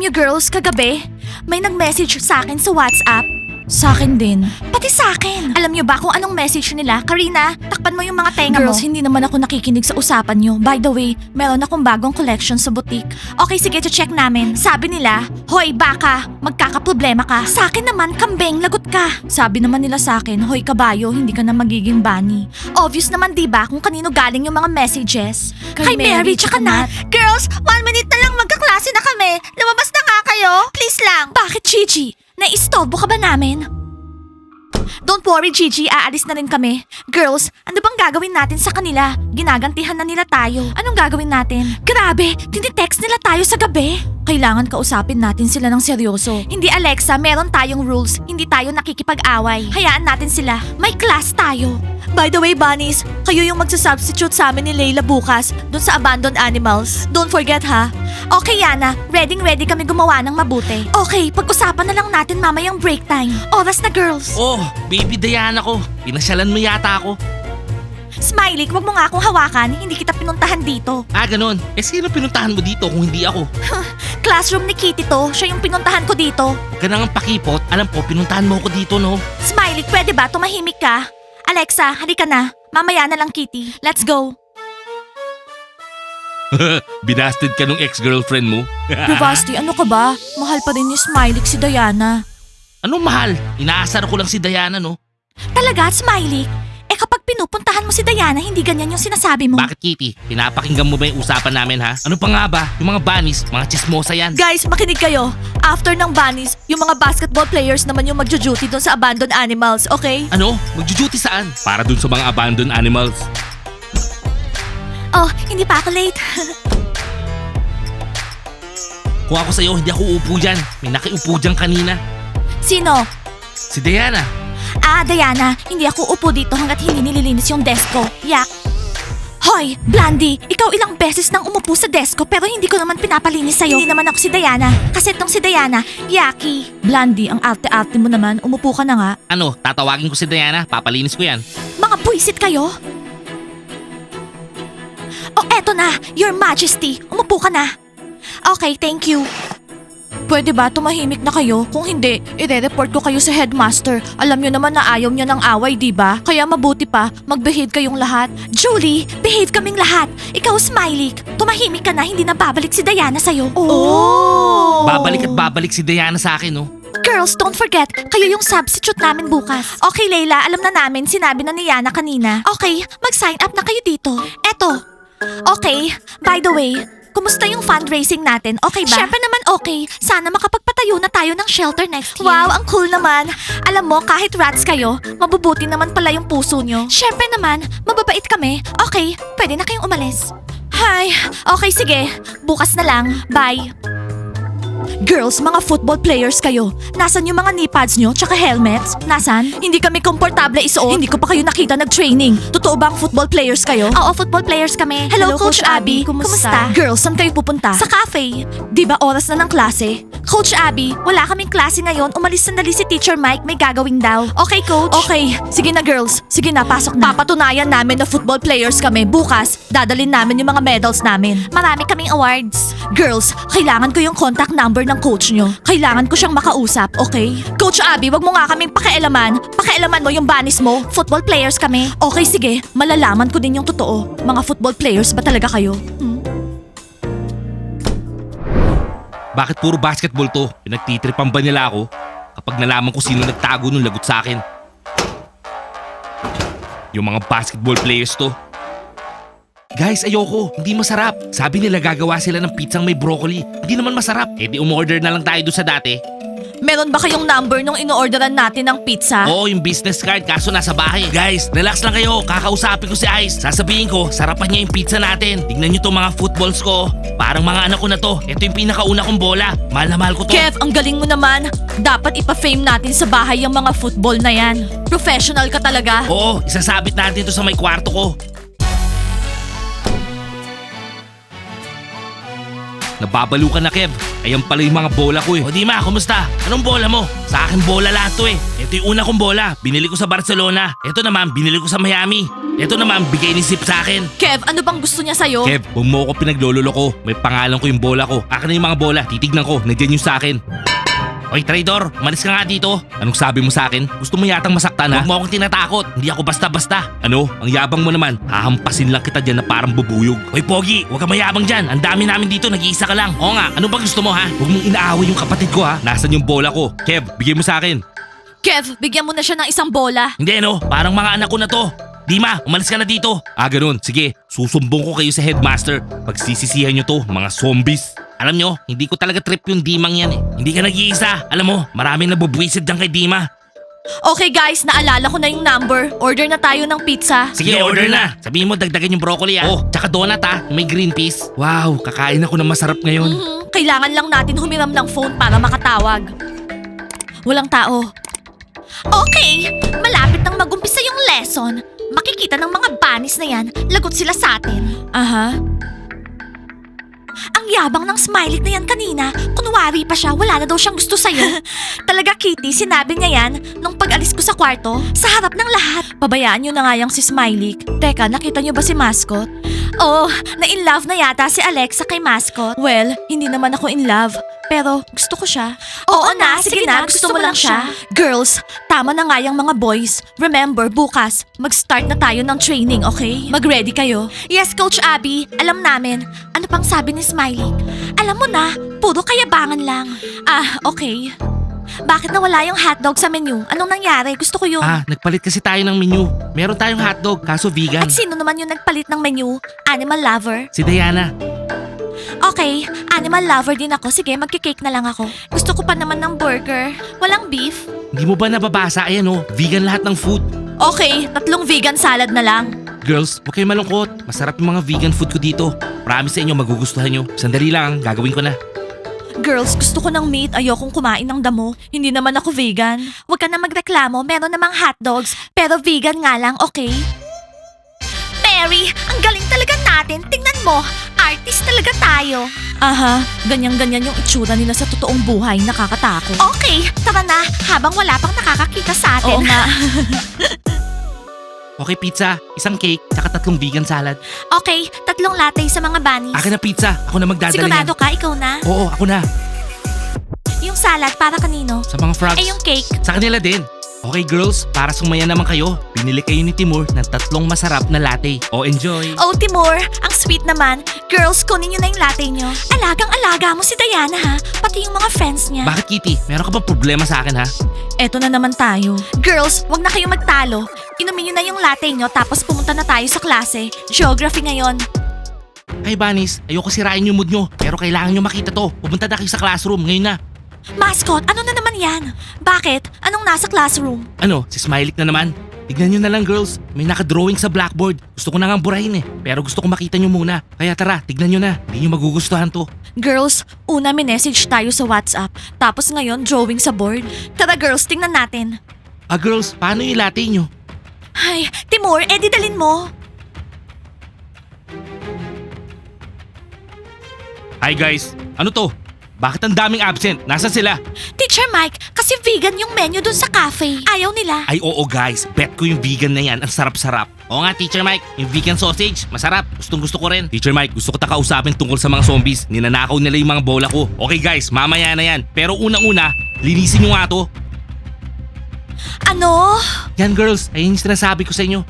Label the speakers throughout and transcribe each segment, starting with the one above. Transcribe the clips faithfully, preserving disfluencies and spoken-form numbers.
Speaker 1: Alam niyo girls, kagabi, may nag-message sa akin sa WhatsApp. Sa akin din. Pati sa akin. Alam niyo ba kung anong message nila? Karina, takpan mo yung mga tenga mo. Girls, hindi naman ako nakikinig sa usapan niyo. By the way, meron akong bagong collection sa boutique. Okay, sige, check namin. Sabi nila, hoy baka, magkakaproblema ka. Sa akin naman, kambing, lagot ka. Sabi naman nila sa akin, hoy kabayo, hindi ka na magiging bunny. Obvious naman diba kung kanino galing yung mga messages? Kay, Mary, tsaka Nat. Girls, one minute na lang magkaklase na kami. Lumabas na nga kayo. Please lang. Bakit, Gigi? Naistorbo ka ba namin? Don't worry, Gigi. Aalis na rin kami. Girls, ano bang gagawin natin sa kanila? Ginagantihan na nila tayo. Anong gagawin natin? Grabe, tinitext nila tayo sa gabi. Kailangan kausapin natin sila ng seryoso. Hindi, Alexa. Meron tayong rules. Hindi tayo nakikipag-away. Hayaan natin sila. May class tayo. By the way, bunnies, kayo yung magsasubstitute sa amin ni Layla bukas dun sa abandoned animals. Don't forget, ha? Okay, Yana. Ready-ready kami gumawa ng mabuti. Okay, pag-usapan na lang natin mamayang break time. Oras na, girls.
Speaker 2: Oh, baby Diana ko. Pinasyalan mo yata ako.
Speaker 1: Smiley, wag mo nga akong hawakan. Hindi kita pinuntahan dito.
Speaker 2: Ah, ganun. Eh, sino pinuntahan mo dito kung hindi ako?
Speaker 1: Classroom ni Kitty to. Siya yung pinuntahan ko dito.
Speaker 2: Huwag ka nang pakipot. Alam ko, pinuntahan mo ako dito, no?
Speaker 1: Smiley, pwede ba? Tumahimik ka. Alexa, halika na. Mamaya na lang, Kitty. Let's go.
Speaker 2: Binasted ka nung ex-girlfriend mo.
Speaker 1: Bravasti, ano ka ba? Mahal pa rin ni Smiley si Diana.
Speaker 2: Anong mahal? Inaasar ko lang si Diana, no?
Speaker 1: Talaga, Smiley? Eh kapag pinupuntahan mo si Diana, hindi ganyan yung sinasabi mo.
Speaker 2: Bakit, Kitty? Pinapakinggan mo ba yung usapan namin, ha? Ano pa nga ba? Yung mga bunnies, mga chismosa yan.
Speaker 1: Guys, makinig kayo. After ng bunnies, yung mga basketball players naman yung magjo-duty doon sa abandoned animals, okay?
Speaker 2: Ano? Magjo-duty saan? Para dun sa mga abandoned animals.
Speaker 1: Oh, hindi pa ako late.
Speaker 2: Kung ako sa'yo, hindi ako uupo dyan. May nakiupo dyan kanina.
Speaker 1: Sino?
Speaker 2: Si Diana.
Speaker 1: Ah, Diana, hindi ako upo dito hanggat hindi nililinis yung desk ko. Yak. Hoy, Blandy, ikaw ilang beses nang umupo sa desk ko pero hindi ko naman pinapalinis sa'yo. Hindi naman ako si Diana. Kasi tong si Diana, Yaki. Blandy, ang arte-arte mo naman. Umupo ka na nga.
Speaker 2: Ano, tatawagin ko si Diana. Papalinis ko yan.
Speaker 1: Mga buwisit kayo. Oh, eto na, Your Majesty. Umupo ka na. Okay, thank you. Pwede ba tumahimik na kayo? Kung hindi, ire-report ko kayo sa headmaster. Alam nyo naman na ayaw niya ng away, di ba? Kaya mabuti pa, mag-behave kayong lahat. Julie, behave kaming lahat. Ikaw, Smiley, tumahimik ka na, hindi na babalik si Diana sa'yo. Oh!
Speaker 2: Babalik at babalik si Diana sa akin, no?
Speaker 1: Girls, don't forget, kayo yung substitute namin bukas. Okay, Layla, alam na namin, sinabi na ni Yana kanina. Okay, mag-sign up na kayo dito. Eto. Okay, by the way, kumusta yung fundraising natin? Okay ba? Syempre naman okay. Sana makapagpatayo na tayo ng shelter next year. Wow, ang cool naman. Alam mo, kahit rats kayo, mabubuti naman pala yung puso nyo. Syempre naman, mababait kami. Okay, pwede na kayong umalis. Hay, okay sige. Bukas na lang. Bye. Girls, mga football players kayo. Nasaan yung mga knee pads nyo tsaka helmets? Nasaan? Hindi kami komportable isuot. Hindi ko pa kayo nakita nag-training. Totoo bang football players kayo? Oo, football players kami. Hello,
Speaker 3: Hello,
Speaker 1: Coach,
Speaker 3: Coach
Speaker 1: Abby.
Speaker 3: Abby. Kumusta?
Speaker 1: Girls, saan kayo pupunta? Sa cafe. Di ba oras na ng klase? Coach Abby, wala kaming klase ngayon. Umalis sandali si Teacher Mike. May gagawin daw. Okay, Coach? Okay. Sige na, girls. Sige na, pasok na. Papatunayan namin na football players kami. Bukas, dadalin namin yung mga medals namin. Marami kaming awards. Girls, kailangan ko yung contact number ng coach nyo. Kailangan ko siyang makausap, okay? Coach Abby, wag mo nga kaming pakialaman. Pakialaman mo yung banis mo. Football players kami. Okay, sige. Malalaman ko din yung totoo. Mga football players ba talaga kayo? Hmm?
Speaker 2: Bakit puro basketball to? Pinagtitripan ba nila ako? Kapag nalaman ko sino nagtago nung lagot sa akin. Yung mga basketball players to. Guys, ayoko. Hindi masarap. Sabi nila gagawa sila ng pizzang may broccoli. Hindi naman masarap. Eh di umorder na lang tayo doon sa dati.
Speaker 1: Meron ba kayong number nung ino-orderan natin ng pizza?
Speaker 2: Oo, yung business card kaso nasa bahay. Guys, relax lang kayo. Kakausapin ko si Ice. Sasabihin ko, sarapan niya yung pizza natin. Tignan niyo to mga footballs ko. Parang mga anak ko na to. Ito yung pinakauna kong bola. Mahal na mahal ko to.
Speaker 1: Kev, ang galing mo naman. Dapat ipa-fame natin sa bahay yung mga football na yan. Professional ka talaga.
Speaker 2: Oo, isasabit natin to sa may kwarto ko. Nababalo ka na, Kev. Ayan pala yung mga bola ko eh. O Dima, kumusta? Anong bola mo? Sa akin bola lahat to eh. Ito yung una kong bola. Binili ko sa Barcelona. Ito naman, binili ko sa Miami. Ito naman, bigay ni Zip sa akin.
Speaker 1: Kev, ano bang gusto niya sa'yo?
Speaker 2: Kev, huwag mo ako pinaglololoko. May pangalan ko yung bola ko. Akin na yung mga bola. Titignan ko. Nandiyan yung sa akin. Oy, traidor, malis ka nga dito. Anong sabi mo sa akin? Gusto mo yatang masaktan ha? Huwag mo akong tinatakot. Hindi ako basta-basta. Ano? Ang yabang mo naman. Hahampasin lang kita dyan na parang bubuyog. Oy, Pogi, huwag ka mayabang dyan. Ang dami namin dito, nag-iisa ka lang. Oo nga, ano ba gusto mo ha? Huwag mong inaaway yung kapatid ko ha. Nasaan yung bola ko? Kev, bigay mo sa akin.
Speaker 1: Kev, bigyan mo na siya ng isang bola.
Speaker 2: Hindi no, parang mga anak ko na to. Dima, umalis ka na dito. Ah, ganun. Sige, susumbong ko kayo sa headmaster. Pagsisisihan nyo to, mga zombies. Alam nyo, hindi ko talaga trip yung Dimang yan eh. Hindi ka nag-iisa. Alam mo, maraming nabubwisid dyan kay Dima.
Speaker 1: Okay guys, naalala ko na yung number. Order na tayo ng pizza.
Speaker 2: Sige, order na. Sabihin mo, dagdagan yung broccoli ah. Oh, tsaka donut ah, may green peas. Wow, kakain ako ng masarap ngayon.
Speaker 1: Mhm, kailangan lang natin humiram ng phone para makatawag. Walang tao. Okay, malapit nang magumpisa yung lesson. Makikita ng mga banis na yan, lagot sila sa atin. Aha. Ang yabang ng Smiley na yan kanina. Kunwari pa siya, wala na daw siyang gusto sa'yo. Talaga, Kitty, sinabi niya yan nung pag-alis ko sa kwarto, sa harap ng lahat. Pabayaan niyo na nga yung si Smiley. Teka, nakita niyo ba si Mascot? Oh, na-in-love na yata si Alexa kay Mascot. Well, hindi naman ako in love. Pero gusto ko siya. Oo, na, sige, na, gusto, mo lang siya. Girls, tama na nga yung mga boys. Remember, bukas, mag-start na tayo ng training, okay? Mag-ready kayo. Yes, Coach Abby, alam namin. Ano pang sabi ni Smiley? Alam mo na, puro kayabangan lang. Ah, okay. Bakit nawala yung hotdog sa menu? Anong nangyari? Gusto ko yun.
Speaker 2: Ah, nagpalit kasi tayo ng menu. Meron tayong hotdog, kaso vegan.
Speaker 1: At sino naman yung nagpalit ng menu? Animal lover?
Speaker 2: Si Diana.
Speaker 1: Okay, animal lover din ako. Sige, magkikake na lang ako. Gusto ko pa naman ng burger. Walang beef?
Speaker 2: Hindi mo ba nababasa? Ayan oh, vegan lahat ng food.
Speaker 1: Okay, tatlong vegan salad na lang.
Speaker 2: Girls, huwag kayo malungkot. Masarap yung mga vegan food ko dito. Promise sa inyo, magugustuhan nyo. Sandali lang, gagawin ko na.
Speaker 1: Girls, gusto ko ng meat. Ayokong kumain ng damo. Hindi naman ako vegan. Huwag ka na magreklamo. Meron namang hotdogs. Pero vegan nga lang, okay? Mary, ang galing talaga natin. Tingnan mo. Artist talaga tayo. Aha, ganyan-ganyan yung itsura nila sa totoong buhay. Nakakatakot. Okay, tara na. Habang wala pang nakakakita sa atin. Oo nga.
Speaker 2: Okay, pizza, isang cake, tsaka tatlong vegan salad.
Speaker 1: Okay, tatlong latte sa mga bunnies.
Speaker 2: Akin na pizza, ako na magdadala
Speaker 1: Sigurado
Speaker 2: yan.
Speaker 1: ka, ikaw na?
Speaker 2: Oo, ako na.
Speaker 1: Yung salad para kanino?
Speaker 2: Sa mga frogs.
Speaker 1: Eh, yung cake.
Speaker 2: Sa kanila din. Okay girls, para sumaya naman kayo, binili kayo ni Timur ng tatlong masarap na latte. O enjoy!
Speaker 1: Oh, Timur, ang sweet naman. Girls, kunin nyo na yung latte nyo. Alagang-alaga mo si Diana ha, pati yung mga friends niya.
Speaker 2: Bakit Kitty? Meron ka bang problema sa akin ha?
Speaker 1: Eto na naman tayo. Girls, wag na kayo magtalo. Inumin nyo na yung latte nyo tapos pumunta na tayo sa klase. Geography ngayon.
Speaker 2: Hey Banis, ayoko sirain yung mood nyo, pero kailangan nyo makita to. Pumunta na kayo sa classroom, ngayon na.
Speaker 1: Mascot, ano na naman yan? Bakit? Anong nasa classroom?
Speaker 2: Ano, si Smiley na naman? Tignan nyo na lang girls, may nakadrawing sa blackboard. Gusto ko na ngang burahin eh, pero gusto ko makita nyo muna. Kaya tara, tignan nyo na, hindi nyo magugustuhan to.
Speaker 1: Girls, una minessage tayo sa WhatsApp. Tapos ngayon, drawing sa board. Tara girls, tingnan natin.
Speaker 2: Ah girls, paano yung latte nyo?
Speaker 1: Ay, Timur, edi dalin mo.
Speaker 2: Hi guys, ano to? Bakit ang daming absent? Nasaan sila?
Speaker 1: Teacher Mike, kasi vegan yung menu dun sa cafe. Ayaw nila.
Speaker 2: Ay oo guys, bet ko yung vegan na yan, ang sarap-sarap. Oo nga Teacher Mike, yung vegan sausage, masarap. Gustong gusto ko rin. Teacher Mike, gusto ko ta kausapin tungkol sa mga zombies. Ninanakaw nila yung mga bola ko. Okay guys, mamaya na yan. Pero unang-una, linisin nyo nga to.
Speaker 1: Ano?
Speaker 2: Yan girls, ayun yung sinasabi ko sa inyo.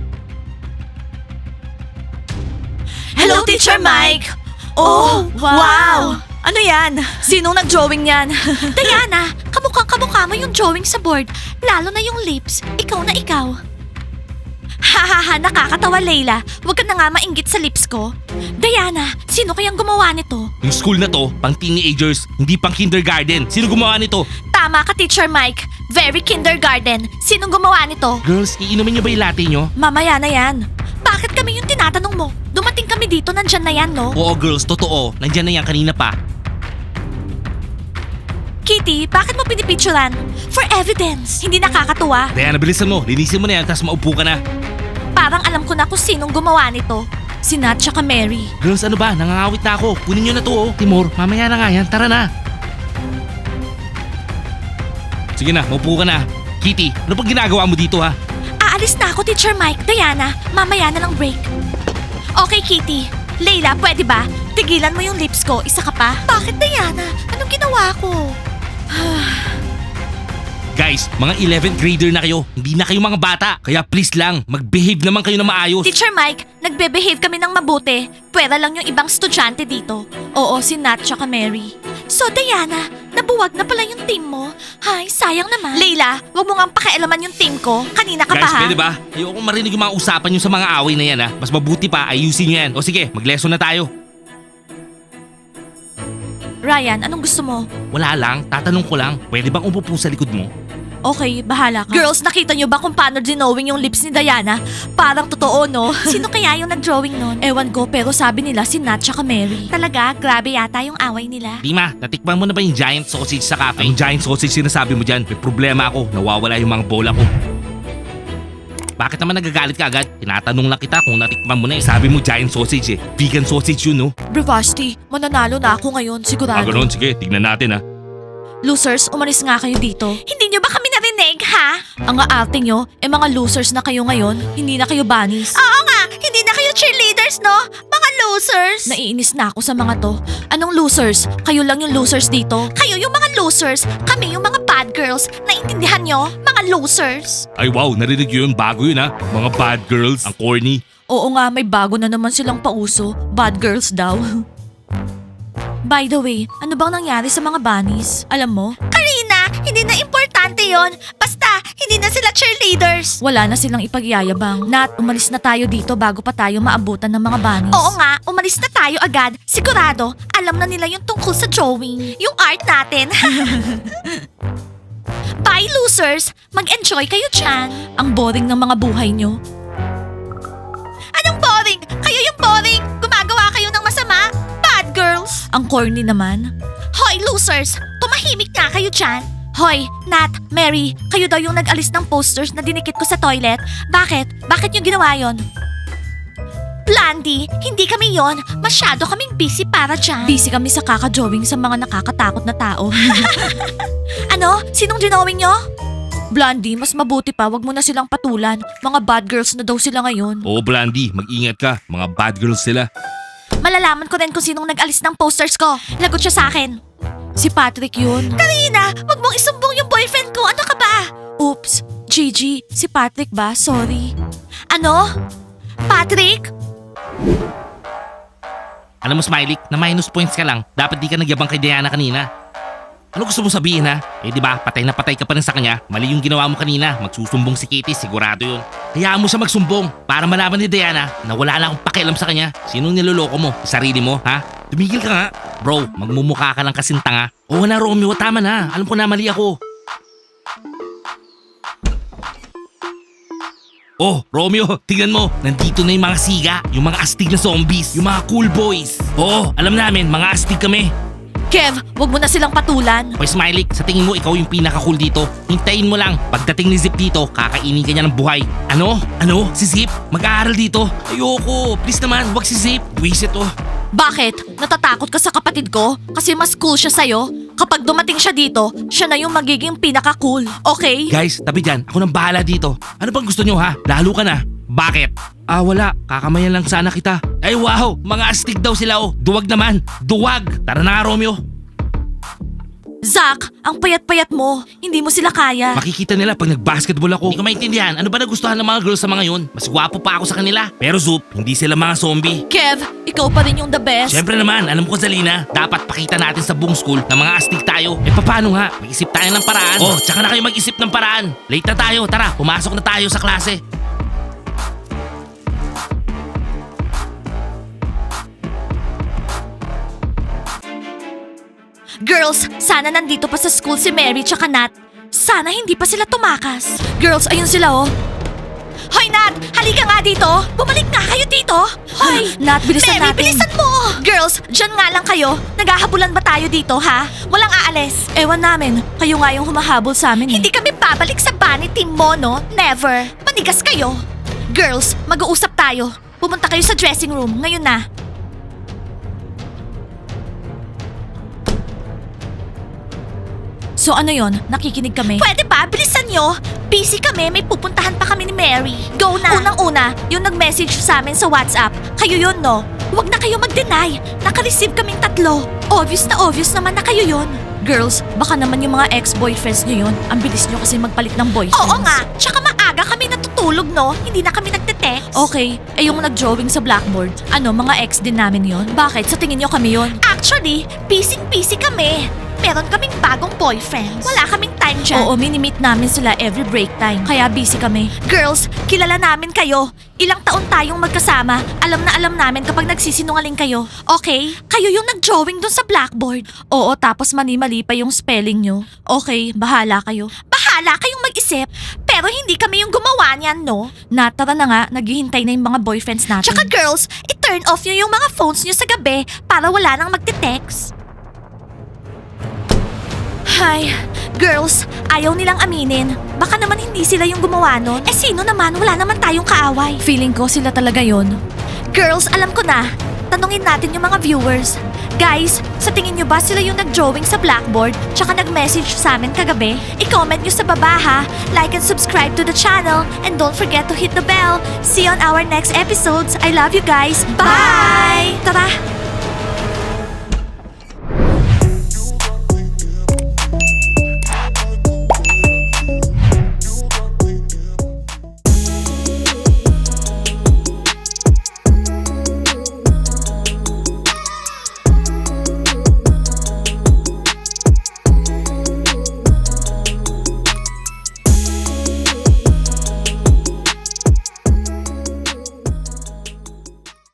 Speaker 1: Hello, Teacher Mike! Oh, wow! Ano yan? Sinong nag-drawing yan? Diana, kamukhang kamukha mo yung drawing sa board. Lalo na yung lips. Ikaw na ikaw. Hahaha, nakakatawa Layla. Huwag ka na nga mainggit sa lips ko. Diana, sino kayang gumawa nito?
Speaker 2: Yung school na to, pang teenagers, hindi pang kindergarten. Sino gumawa nito?
Speaker 1: Tama ka, Teacher Mike. Very kindergarten. Sinong gumawa nito?
Speaker 2: Girls, iinumin nyo ba yung latte nyo?
Speaker 1: Mamaya na yan. Bakit kami yung tinatanong mo? Dumating kami dito, nandyan na yan, no?
Speaker 2: Oo girls, totoo. Nandyan na yan kanina pa.
Speaker 1: Kitty, bakit mo pinipicturan? For evidence. Hindi nakakatuwa.
Speaker 2: Diana, bilisan mo. Linisin mo na yan, tapos maupo ka na.
Speaker 1: Parang alam ko na kung sinong gumawa nito. Si Nat tsaka Mary.
Speaker 2: Girls, ano ba? Nangangawit na ako. Kunin nyo na to, oh. Timur, mamaya na nga yan. Tara na. Sige na, maupo ka na. Kitty, ano pang ginagawa mo dito, ha?
Speaker 1: Aalis na ako, Teacher Mike. Diana, mamaya na lang break. Okay, Kitty. Layla, pwede ba? Tigilan mo yung lips ko. Isa ka pa? Bakit, Diana? Anong ginawa ko?
Speaker 2: Guys, mga eleventh grader na kayo. Hindi na kayo mga bata. Kaya please lang, mag-behave naman kayo na maayos.
Speaker 1: Teacher Mike, nagbe-behave kami ng mabuti. Pwera lang yung ibang estudyante dito. Oo, si Nat tsaka Mary. So, Diana, nabuwag na pala yung team mo. Hay, sayang naman. Layla, wag mo nga pakialaman yung team ko. Kanina ka
Speaker 2: Guys,
Speaker 1: pa ha?
Speaker 2: pwede ba? Ayoko marinig yung mga usapan nyo sa mga away na yan ha. Mas mabuti pa, ayusin nyo yan. O sige, mag-lesson na tayo.
Speaker 1: Ryan, anong gusto mo?
Speaker 2: Wala lang, tatanong ko lang. Pwede bang umupo sa likod mo?
Speaker 1: Okay, bahala ka. Girls, nakita nyo ba kung paano dinowing yung lips ni Diana? Parang totoo, no? Sino kaya yung nag-drawing nun? Ewan ko, pero sabi nila si Nat tsaka Mary. Talaga, grabe yata yung away nila.
Speaker 2: Dima, natikman mo na ba yung giant sausage sa cafe? Yung giant sausage sinasabi mo dyan, may problema ako. Nawawala yung mga bola ko. Bakit naman nagagalit ka agad? Tinatanong lang kita kung natikman mo na eh. Sabi mo giant sausage eh. Vegan sausage yun no?
Speaker 1: Bravasti, mananalo na ako ngayon, sigurado.
Speaker 2: Ah, ganun. Sige, tignan natin ha.
Speaker 1: Losers, umalis nga kayo dito. Hindi nyo ba kami narinig, ha? Ang aating nyo, eh mga losers na kayo ngayon, hindi na kayo bunnies. Oo nga, hindi na kayo cheerleaders, no? Mga losers. Naiinis na ako sa mga to. Anong losers? Kayo lang yung losers dito. Kayo yung mga losers, kami yung mga bad girls. Naintindihan nyo? Mga losers.
Speaker 2: Ay wow, narinig yun. Bago yun ha. Mga bad girls. Ang corny.
Speaker 1: Oo nga, may bago na naman silang pauso. Bad girls daw. By the way, ano bang nangyari sa mga bunnies? Alam mo? Karina, hindi na importante yon. Basta, hindi na sila cheerleaders. Wala na silang ipagyayabang. Nat, umalis na tayo dito bago pa tayo maabutan ng mga bunnies. Oo nga, umalis na tayo agad. Sigurado, alam na nila yung tungkol sa drawing. Yung art natin. Bye, losers! Mag-enjoy kayo dyan. Ang boring ng mga buhay nyo. Anong boring? Kayo yung boring! Gumagawa kayo ng masama? Bad girls! Ang corny naman. Hoy, losers! Tumahimik nga kayo dyan. Hoy, Nat, Mary, kayo daw yung nag-alis ng posters na dinikit ko sa toilet. Bakit? Bakit yung ginawa yon? Blandy, hindi kami yon. Masyado kaming busy para dyan. Busy kami sa kaka-drawing sa mga nakakatakot na tao. Ano? Sinong dinowing nyo? Blondie, mas mabuti pa, wag mo na silang patulan. Mga bad girls na daw sila ngayon.
Speaker 2: Oo Blandy, mag-ingat ka. Mga bad girls sila.
Speaker 1: Malalaman ko rin kung sinong nag-alis ng posters ko. Lagot siya sa akin. Si Patrick yun. Karina, wag mong isumbong yung boyfriend ko. Ano ka ba? Oops, Gigi, si Patrick ba? Sorry. Ano? Patrick?
Speaker 2: Alam mo Smiley, na minus points ka lang. Dapat di ka nagyabang kay Diana kanina. Ano gusto mo sabihin ha? Eh di ba, patay na patay ka pa rin sa kanya. Mali yung ginawa mo kanina. Magsusumbong si Kitty, sigurado yun. Hayaan mo siya magsumbong para malaman ni Diana na wala na akong pakialam sa kanya. Sinong niloloko mo? Sarili mo, ha? Tumigil ka nga. Bro, magmumukha ka lang kasing tanga. Oo na Romeo, tama na. Alam ko na mali ako. Oh, Romeo, tingnan mo. Nandito na yung mga siga, yung mga astig na zombies, yung mga cool boys. Oo, alam namin, mga astig kami.
Speaker 1: Kev, wag mo na silang patulan.
Speaker 2: Hoy Smiley, sa tingin mo ikaw yung pinaka-cool dito? Hintayin mo lang. Pagdating ni Zip dito, kakainin ka niya ng buhay. Ano? Ano? Si Zip? Mag-aaral dito? Ayoko. Please naman, wag si Zip. Wisit oh.
Speaker 1: Bakit? Natatakot ka sa kapatid ko? Kasi mas cool siya sa'yo? Kapag dumating siya dito, siya na yung magiging pinaka-cool. Okay?
Speaker 2: Guys, tabi dyan. Ako nang bahala dito. Ano bang gusto nyo ha? Lalo ka na. Bakit? Ah wala, kakamayan lang sana kita. Ay wow, mga astig daw sila oh. Duwag naman, duwag. Tara na nga Romeo.
Speaker 1: Zach, ang payat-payat mo. Hindi mo sila kaya.
Speaker 2: Makikita nila pag nag-basketball ako. Hindi ko maintindihan, ano ba nagustuhan ng mga girls sa mga yun? Mas gwapo pa ako sa kanila. Pero Zoop, hindi sila mga zombie.
Speaker 1: Kev, ikaw pa rin yung the best.
Speaker 2: Siyempre naman, alam ko Zalina, dapat pakita natin sa buong school na mga astig tayo. Eh paano nga? Mag-isip tayo ng paraan. Oh, tsaka na kayo mag-isip ng paraan. Late na tayo, tara, pumasok na tayo sa klase.
Speaker 1: Girls, sana nandito pa sa school si Mary tsaka Nat. Sana hindi pa sila tumakas. Girls, ayun sila oh. Hoy Nat, halika nga dito. Bumalik nga kayo dito. Hoy, Nat, bilisan
Speaker 3: Mary,
Speaker 1: natin.
Speaker 3: bilisan
Speaker 1: mo. Girls, dyan nga lang kayo. Naghahabulan ba tayo dito, ha? Walang aalis. Ewan namin. Kayo nga yung humahabol sa amin. eh.
Speaker 3: Hindi kami babalik sa bunny team mo, no? Never. Manigas kayo.
Speaker 1: Girls, mag-uusap tayo. Pumunta kayo sa dressing room. Ngayon na. So ano yon? Nakikinig kami?
Speaker 3: Pwede ba? Bilisan nyo. Busy kami, may pupuntahan pa kami ni Mary. Go na.
Speaker 1: Unang-una, yung nag-message sa amin sa WhatsApp. Kayo yun, no?
Speaker 3: Huwag na kayo mag-deny. Naka-receive kaming tatlo.
Speaker 1: Obvious na obvious naman na kayo yun. Girls, baka naman yung mga ex-boyfriends nyo yun. Ang bilis nyo kasi magpalit ng boyfriends.
Speaker 3: Oo nga. Tsaka maaga kami natutulog, no? Hindi na kami nagte-text.
Speaker 1: Okay, eh yung nag-drawing sa blackboard, ano, mga ex din namin yon? Bakit? Sa tingin nyo kami yon?
Speaker 3: Actually, busy-busy kami. Meron kaming bagong boyfriends. Wala kaming time dyan.
Speaker 1: Oo, mini-meet namin sila every break time. Kaya busy kami.
Speaker 3: Girls, kilala namin kayo. Ilang taon tayong magkasama. Alam na alam namin kapag nagsisinungaling kayo. Okay? Kayo yung nag-drawing dun sa blackboard.
Speaker 1: Oo, tapos mali-mali pa yung spelling nyo. Okay, bahala kayo.
Speaker 3: Bahala kayong mag-isip. Pero hindi kami yung gumawa niyan, no?
Speaker 1: Natara na nga, naghihintay na yung mga boyfriends natin.
Speaker 3: Tsaka girls, i-turn off nyo yung mga phones nyo sa gabi para wala nang magte-text. Hay, girls, ayaw nilang aminin. Baka naman hindi sila yung gumawa nun. Eh sino naman? Wala naman tayong kaaway.
Speaker 1: Feeling ko sila talaga yon.
Speaker 3: Girls, alam ko na. Tanungin natin yung mga viewers. Guys, sa tingin nyo ba sila yung nag-drawing sa blackboard tsaka nag-message sa amin kagabi? I-comment nyo sa baba ha. Like and subscribe to the channel and don't forget to hit the bell. See you on our next episodes. I love you guys. Bye! Tara!